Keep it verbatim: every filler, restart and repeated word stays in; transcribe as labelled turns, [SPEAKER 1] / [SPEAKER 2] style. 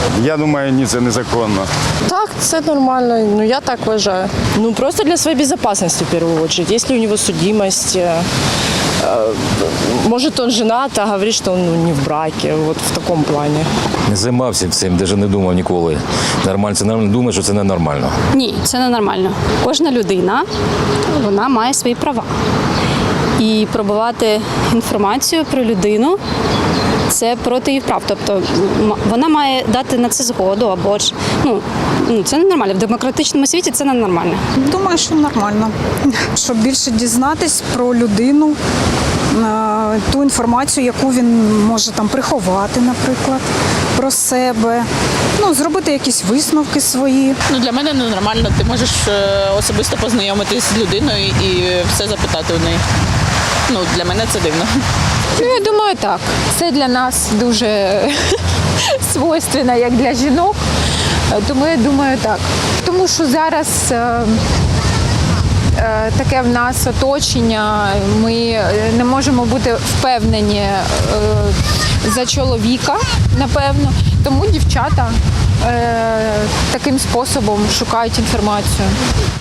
[SPEAKER 1] Я думаю, ні, це незаконно.
[SPEAKER 2] Так, це нормально. Ну, я так вважаю. Ну, просто для своей безопасности, в первую очередь. Если у него судимость, э, э, может, он женат, а говорит, что он ну, не в браке. Вот в таком плане.
[SPEAKER 3] Не займався цим, навіть не думав ніколи. Нормально, це нормально, думаю, що це ненормально.
[SPEAKER 4] Ні, це не нормально. Кожна людина, вона має свої права. І пробувати інформацію про людину – це проти її прав. Тобто м- вона має дати на це згоду, або ж, ну, ну, це ненормально. В демократичному світі це ненормально.
[SPEAKER 5] Думаю, що нормально. Щоб більше дізнатись про людину, е, ту інформацію, яку він може там приховати, наприклад, про себе, ну, зробити якісь висновки свої.
[SPEAKER 6] Ну, для мене ненормально. Ти можеш е, особисто познайомитись з людиною і все запитати у неї. Ну, для мене це дивно.
[SPEAKER 7] Ну, я думаю, так. Це для нас дуже свойственно, як для жінок. Тому я думаю, так. Тому що зараз е, е, таке в нас оточення, ми не можемо бути впевнені е, за чоловіка, напевно. Тому дівчата е, таким способом шукають інформацію.